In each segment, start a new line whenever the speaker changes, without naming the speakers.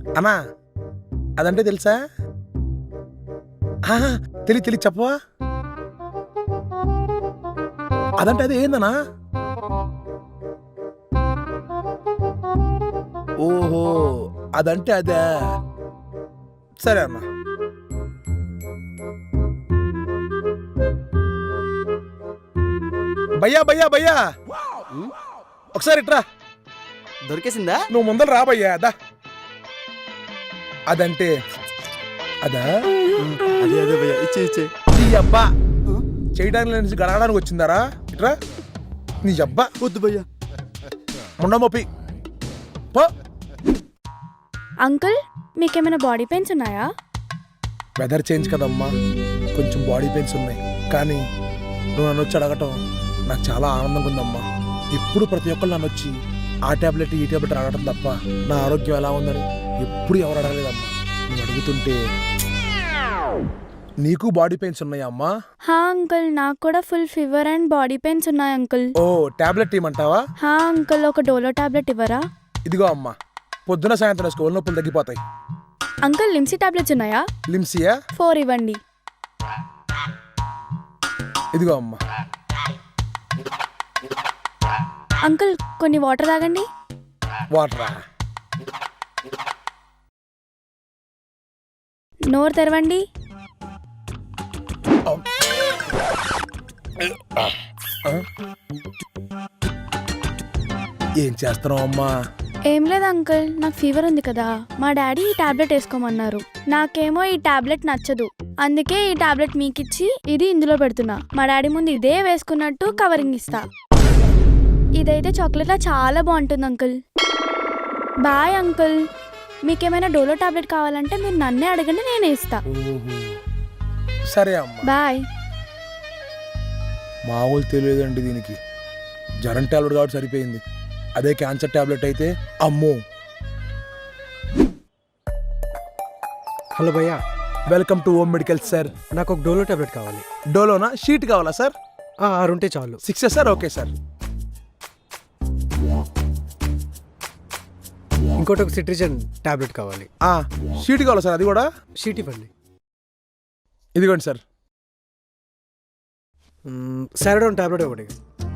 అన్నా అదంటే తెలుసా? తెలి చెప్పవా? అదంటే అది ఏందనా? ఓహో అదంటే అదే. సరే అన్నా. భయ్యా భయ్యా భయ్యా ఒకసారి ఇట్రా.
దొరికేసిందా?
నువ్వు ముందర రా భయ్యా. అదా అదంటే అదా?
అదే అదే భయ్యా, ఇచ్చే
నీ అబ్బా చేయడానికి నుంచి గడగడానికి వచ్చిందారా? ఇట్రా. నీ అబ్బా
వద్దు భయ్యా.
ముండమొప్పి పో.
అంకుల్ మీకేమైనా బాడీ పెయిన్స్ ఉన్నాయా?
వెదర్ చేంజ్ కదమ్మా, కొంచెం బాడీ పెయిన్స్ ఉన్నాయి. కానీ నువ్వు నన్ను వచ్చి అడగటం నాకు చాలా ఆనందంగా ఉందమ్మా. ఎప్పుడు ప్రతి ఒక్కరు నన్ను వచ్చి ఆ ట్యాబ్లెట్ ఈ ట్యాబ్లెట్ అడగటం తప్ప నా ఆరోగ్యం ఎలా ఉందని ఎప్పుడు ఎవరు అడగలేదమ్మా. నువ్వు అడుగుతుంటే నీకు బాడీ పెయిన్స్ ఉన్నాయా అమ్మా?
హా అంకుల్, నాకు కూడా full fever and body pains ఉన్నాయి అంకుల్.
ఓ ట్యాబ్లెట్ ఇవ్వమంటావా?
హా అంకుల్, ఒక డోలో టాబ్లెట్ ఇవ్వరా?
ఇదిగో అమ్మా, పొద్దున సాయంత్రం స్కూల్ నొప్పులు తగ్గిపోతాయి.
అంకుల్ లిమ్సీ టాబ్లెట్స్ ఉన్నాయా?
లిమ్సియా?
4 ఇవ్వండి.
ఇదిగో అమ్మా.
అంకుల్ కొన్ని వాటర్ తాగండి.
వాటరా?
నోరు తెరవండి.
ఏం చేస్తున్నావు అమ్మా?
ఏం లేదు అంకుల్, నాకు ఫీవర్ ఉంది కదా, మా డాడీ ఈ టాబ్లెట్ వేసుకోమన్నారు. నాకేమో ఈ టాబ్లెట్ నచ్చదు, అందుకే ఈ టాబ్లెట్ మీకిచ్చి ఇది ఇందులో పెడుతున్నా. మా డాడీ ముందు ఇదే వేసుకున్నట్టు కవరింగ్ ఇస్తా. ఇదైతే చాక్లెట్లా చాలా బాగుంటుంది అంకుల్. Bye uncle. మీకేమైనా డోలో టాబ్లెట్ కావాలంటే మీరు నన్నే అడగండి, నేనే ఇస్తా.
సరే అమ్మా.
బాయ్.
మామూలు తెలియదండి దీనికి. జ్వరం టాబ్లెట్ కాబట్టి సరిపోయింది. అదే క్యాన్సర్ టాబ్లెట్ అయితే అమ్మో.
హలో భయ్యా,
welcome to home medical sir.
నాకు ఒక డోలో టాబ్లెట్ కావాలి.
డోలోనా? షీట్ కావాలా సార్?
6 ఉంటే చాలు.
6 సార్? Okay sir.
ఇంకోటి ఒక సిట్రిజన్ టాబ్లెట్ కావాలి.
షీట్ కావాలా సార్? అది కూడా
షీట్ ఇవ్వండి.
ఇదిగోండి సార్.
సారడోన్ టాబ్లెట్ ఒకటి.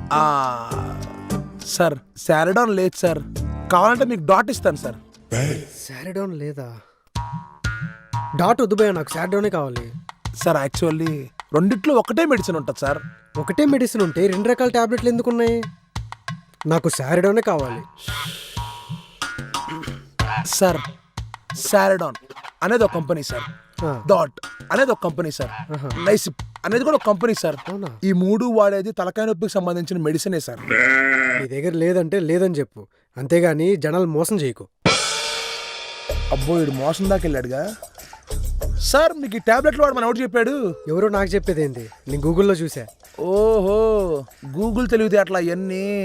సార్ సారడోన్ లేదు సార్, కావాలంటే మీకు డాట్ ఇస్తాను సార్.
సారడోన్ లేదా? డాట్ వద్దు భయ్యా, నాకు సారడోనే కావాలి.
సార్ యాక్చువల్లీ రెండిట్లో ఒకటే మెడిసిన్ ఉంటుంది సార్.
ఒకటే మెడిసిన్ ఉంటే 2 రకాల టాబ్లెట్లు ఎందుకు ఉన్నాయి? నాకు సారడోనే కావాలి.
సార్ సారడోన్ అనేది ఒక కంపెనీ సార్, డాట్ అనేది ఒక కంపెనీ సార్, నైసిప్ అనేది కూడా ఒక కంపెనీ సార్. ఈ 3 వాడేది తలకాయ నొప్పికి సంబంధించిన మెడిసినే సార్.
నీ దగ్గర లేదంటే లేదని చెప్పు, అంతేగాని జనాలు మోసం చేయకు.
అబ్బో వీడు మోసం దాకా వెళ్ళాడుగా. సార్ మీకు ఈ టాబ్లెట్లు వాడు మన ఎవరు చెప్పాడు?
ఎవరో నాకు చెప్పేది ఏంటి, నేను గూగుల్లో చూసా.
ఓహో గూగుల్ తెలివితే అట్లా అవన్నీ